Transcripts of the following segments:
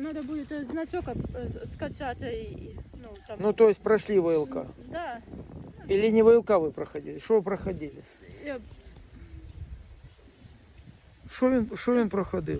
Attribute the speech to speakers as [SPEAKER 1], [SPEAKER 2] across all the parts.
[SPEAKER 1] надо будет значок скачать. Ну, там.
[SPEAKER 2] Ну, то есть прошли ВЛК.
[SPEAKER 1] Да.
[SPEAKER 2] Или не ВЛК вы проходили? Что вы проходили?
[SPEAKER 1] Я,
[SPEAKER 2] Що він проходив?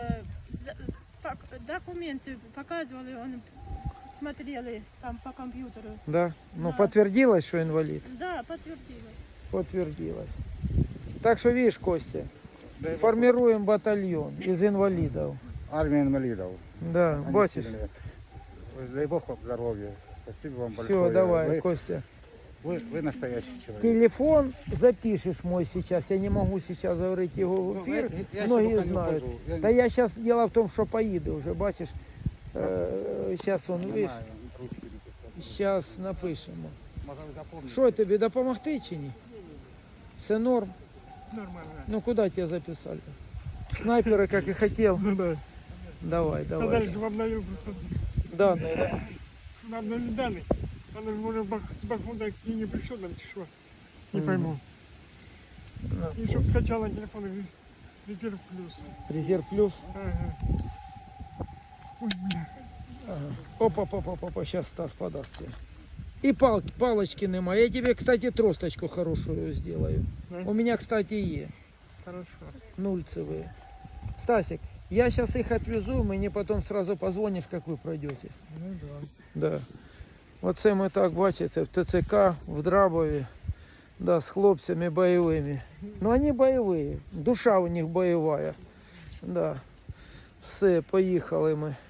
[SPEAKER 1] Документы показывали, он смотрели там по компьютеру.
[SPEAKER 2] Да? Ну,
[SPEAKER 1] Да.
[SPEAKER 2] подтвердилось, что инвалид?
[SPEAKER 1] Да, подтвердилось.
[SPEAKER 2] Подтвердилось. Так что, видишь, Костя, формируем батальон из инвалидов.
[SPEAKER 3] Армия инвалидов.
[SPEAKER 2] Да,
[SPEAKER 3] Они
[SPEAKER 2] бачишь?
[SPEAKER 3] сильные. Дай Бог вам здоровья. Спасибо вам большое.
[SPEAKER 2] Все, давай,
[SPEAKER 3] Вы,
[SPEAKER 2] Костя.
[SPEAKER 3] вы настоящий человек.
[SPEAKER 2] Телефон запишешь мой сейчас. Я не могу сейчас говорить его в эфир.
[SPEAKER 3] Я ще
[SPEAKER 2] Многие
[SPEAKER 3] поки не
[SPEAKER 2] знают.
[SPEAKER 3] вхожу.
[SPEAKER 2] Да я сейчас, дело в том, что поеду уже, бачишь. Сейчас он, видишь,
[SPEAKER 3] Знаю, ручки написати.
[SPEAKER 2] сейчас напишемо.
[SPEAKER 3] Може ви запомните.
[SPEAKER 2] Що тобі допомогти чи ні? Все норм?
[SPEAKER 4] Нормально.
[SPEAKER 2] Ну куда тебя записали? Снайперы, как и хотел.
[SPEAKER 4] Ну да.
[SPEAKER 2] Давай,
[SPEAKER 4] Сказали,
[SPEAKER 2] давай.
[SPEAKER 4] что обновил просто.
[SPEAKER 2] Данные, да?
[SPEAKER 4] Обновили данные. Она же может с Бахмута к ней не пришел, там чего. Не
[SPEAKER 2] Мгм.
[SPEAKER 4] пойму.
[SPEAKER 2] Да.
[SPEAKER 4] И чтоб скачала телефон Резерв Плюс.
[SPEAKER 2] Резерв плюс.
[SPEAKER 4] Ага. Ой, бля.
[SPEAKER 2] Ага. Опа, сейчас Стас подаст тебе. И палочки нема. Я тебе, кстати, тросточку хорошую сделаю.
[SPEAKER 4] Да?
[SPEAKER 2] У меня, кстати, есть.
[SPEAKER 4] Хорошо.
[SPEAKER 2] Нульцевые. Стасик, я сейчас их отвезу, мне потом сразу позвонишь, как вы пройдете.
[SPEAKER 4] Ну да.
[SPEAKER 2] Да. Оце ми так, бачите, в ТЦК, в Драбові, да, з хлопцями бойовими. Ну, вони бойові, душа у них бойова. Да. Все, поїхали ми.